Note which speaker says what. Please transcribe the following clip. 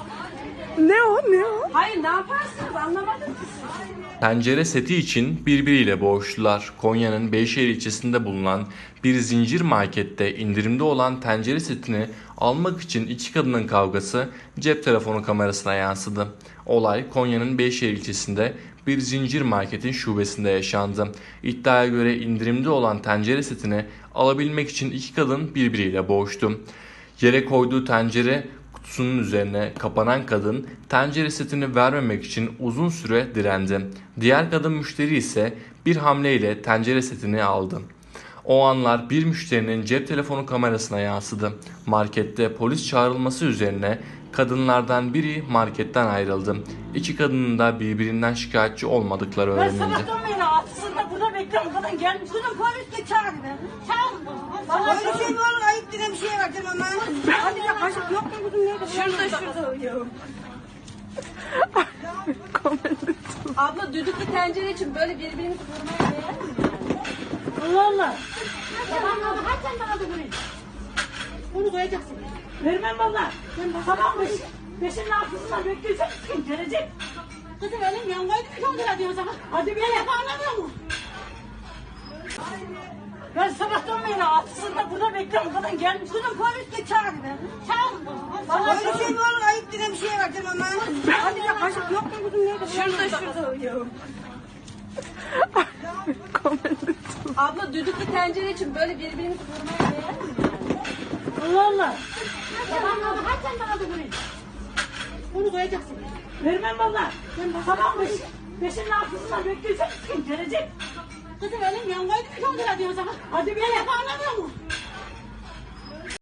Speaker 1: Ne o? Ne o?
Speaker 2: Hayır, ne yaparsınız anlamadım ki siz.
Speaker 3: Tencere seti için birbiriyle boğuştular. Konya'nın Beyşehir ilçesinde bulunan bir zincir markette indirimde olan tencere setini almak için iki kadının kavgası cep telefonu kamerasına yansıdı. Olay Konya'nın Beyşehir ilçesinde bir zincir marketin şubesinde yaşandı. İddiaya göre indirimde olan tencere setini alabilmek için iki kadın birbiriyle boğuştu. Yere koyduğu tencere kutusunun üzerine kapanan kadın tencere setini vermemek için uzun süre direndi. Diğer kadın müşteri ise bir hamleyle tencere setini aldı. O anlar bir müşterinin cep telefonu kamerasına yansıdı. Markette polis çağrılması üzerine kadınlardan biri marketten ayrıldı. İki kadının da birbirinden şikayetçi olmadıkları
Speaker 2: Ben
Speaker 3: öğrenildi.
Speaker 2: sabahtan beri altısında burada bekliyorum. Kadın gelmiş. Kızım polis de çağır be. Çağırın. Bana
Speaker 4: Öyle şey mi olur? Ayıp denen bir şey vardır ama.
Speaker 2: hadi ya kaşık yok mu kızım? Nerede? Şurada uyuyor.
Speaker 5: Abla düdüklü tencere için böyle birbirimizi vurmaya değer mi?
Speaker 2: Allah Allah.
Speaker 5: Tamam abla hadi sen bana da vurayım.
Speaker 2: Bunu koyacaksın. Vermem valla. Sabahmış. Beşin altısında bekleyeceksin. Gelecek.
Speaker 4: Kızım elim yangaydı bir kontrol ediyor o zaman.
Speaker 2: Hadi bir yere anlamıyor mu? Ben sabahtan beri altısında burada bekliyorum. Kadın gelmiş.
Speaker 4: Kızım polis de çağır be.
Speaker 2: Çağırın.
Speaker 4: Bana öyle şey mi olur? Ayıp denen bir şey vardır ama.
Speaker 2: Hadi ya kaşık yok mu kızım? Nerede? Şurada uyuyor.
Speaker 5: Abla düdüklü tencere için böyle birbirimizi vurmaya değer mi?
Speaker 2: Allah Allah.
Speaker 5: Tamam abla hadi sen bana da vurayım.
Speaker 2: Bunu koyacaksın. Vermem valla. Sabahmış. Beşin altısında bekleyeceksin. Gelecek.
Speaker 4: Kızım elim yangaydı bir kontrol ediyor o zaman.
Speaker 2: Hadi bir yere